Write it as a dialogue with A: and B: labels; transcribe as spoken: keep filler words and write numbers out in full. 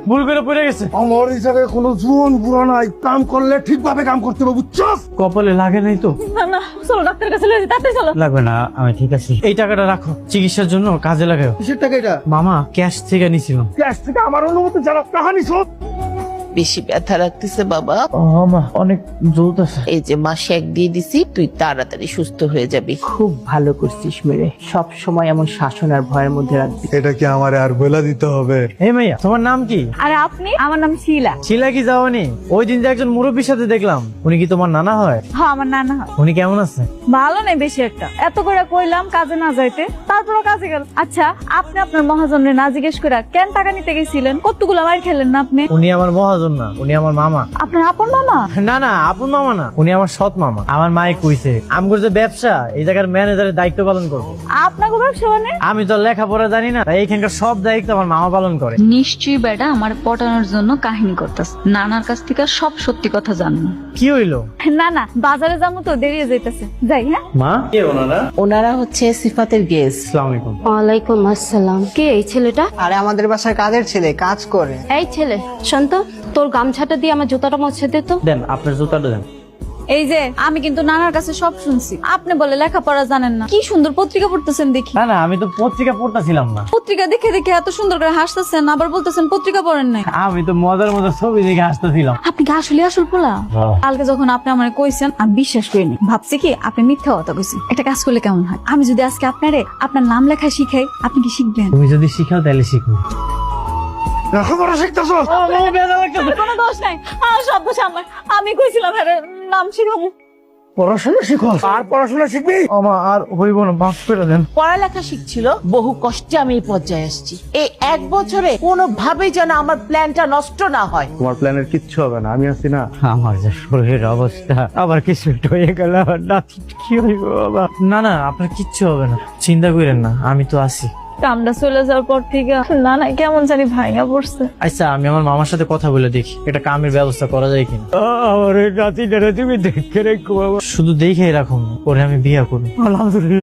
A: ভুল করে পড়ে গেছে।
B: আমার এই জায়গায় কোনো জুন বুড়া নাই, কাম করলে ঠিকভাবে কাম করতে হবে, বুঝছস?
A: কপালে লাগে নাই তো?
C: না না চলো ডাক্তার কাছে লয়ে যাই, তাড়াতাড়ি চলো।
A: লাগবে না, আমি ঠিক আছি। এই টাকাটা রাখো, চিকিৎসার জন্য কাজে লাগাও।
B: কিসের টাকা এটা?
A: মামা ক্যাশ থেকে নিছিলাম।
B: ক্যাশ থেকে আমার অনুমতি জানা কাহানি শোন।
D: বেশি ব্যথা লাগতেছে বাবা?
A: মা অনেক জ্বলতেছে।
D: এই যে মা শেক দিয়ে দিছি, তুই তাড়াতাড়ি সুস্থ হয়ে যাবি। খুব ভালো করছিস মেরে, সব সময় এমন শাসন আর ভয়ের মধ্যে রাখবি।
B: এটা কি আমার আর বলে দিতে হবে?
A: এই মাইয়া, তোমার নাম কি?
C: আর আপনি? আমার নাম শিলা।
A: শিলা কি যাওনি? ওই দিন যে একজন মুরব্বীর সাথে দেখলাম, উনি কি তোমার নানা হয়?
C: হ্যাঁ আমার নানা হয়।
A: উনি কেমন আছে?
C: ভালো নেই বেশি একটা, এত করে কইলাম কাজে না যাইতে, তারপরও কাজে গেল। আচ্ছা আপনি আপনার মহাজনের না জিজ্ঞেস করে কেন টাকা নিতে গেছিলেন? কতগুলো মার খেলেন না আপনি?
A: উনি আমার মহাজন না, উনি আমার মামা।
C: আপনার আপন মামা?
A: না না, আপন মামা না, উনি আমার সৎ মামা। আমার মায়ে কইছে আমগর যে ব্যবসা, এই জায়গার ম্যানেজারের দায়িত্ব পালন করবো।
C: আপনাকে ব্যবসা মানে?
A: আমি তো লেখাপড়া জানি না, তাই এইখানকার সব দায়িত্ব আমার মামা পালন করে।
E: নিশ্চয়ই বেটা আমার পটানোর জন্য কাহিনী করতেছ, নানার কাছ থেকে সব সত্যি কথা জানবো।
A: কি হইলো?
C: না না বাজারে যাবো তো, দেরিয়ে যাইতেছে, যাই। হ্যাঁ
A: মা কে ওনারা?
D: ওনারা হচ্ছে সিফাতের গেস্ট।
A: আসসালামু আলাইকুম।
F: ওয়ালাইকুম আসসালাম। কে এই ছেলেটা?
G: আরে আমাদের বাসার কাজের ছেলে, কাজ করে।
F: এই ছেলে শান্ত, তোর গামছাটা দিয়ে আমার জুতাটা মুছে দে তো।
A: দেন আপনার জুতাটা দেন।
C: এই যে আমি কিন্তু নানার কাছে সব শুনছি, আপনি বলে লেখাপড়া জানেন না। কি সুন্দর পত্রিকা পড়তেছেন দেখি।
A: না না, আমি তো পত্রিকা পড়তেছিলাম না।
C: পত্রিকা দেখে দেখে এত সুন্দর করে হাসতেছেন, আবার বলতেছেন পত্রিকা পড়েন নাই।
A: আমি তো মজার মজার ছবি দেখে হাসতেছিলাম।
C: আপনি কি আসলে আসল পোলা?
A: হ্যাঁ।
C: কালকে যখন আপনি আমার কইছেন আমি বিশ্বাস করিনি, ভাবছি কি আপনি মিথ্যা কথা কইছেন। একটা কাজ করলে কেমন হয়, আমি যদি আজকে আপনারে আপনার নাম লেখা শিখাই, আপনি কি শিখবেন?
A: তুমি যদি শিখাও তাহলে শিখবো।
B: লেখাপড়া শিখতেছ?
C: কোনো দোষ নাই, আমার সব দোষ আমার। আমি কইছিলাম আরে নাম শিখাবো।
B: পড়াশোনা শিখো আর পড়াশোনা শিখবি?
A: আমা আর হইব না, মাফ করে দেন।
D: পড়ালেখা শিখছিল, বহু কষ্টে আমি এই পর্যায়ে আসছি। এই এক বছরে কোনোভাবেই যেন আমার প্ল্যানটা নষ্ট না হয়।
B: তোমার প্ল্যানের কিচ্ছু হবে না, আমি আছি না।
A: আমার যে শরীরের অবস্থা, আবার কিছু একটা হয়ে গেল, আবার না কি হইব বাবা? না না, আপনার কিচ্ছু হবে না, চিন্তা করেন না, আমি তো আছি।
C: কামটা চলে যাওয়ার পর থেকে না না কেমন জানি ভাঙা পড়ছে।
A: আচ্ছা আমি আমার মামার সাথে কথা বলে দেখি একটা কামের ব্যবস্থা করা যায় কিনা। আমার এই নাতিটারে তুমি দেখে রেখো বাবা, শুধু দেখে রাখুন, পরে আমি বিয়ে করবো। আলহামদুলিল্লাহ।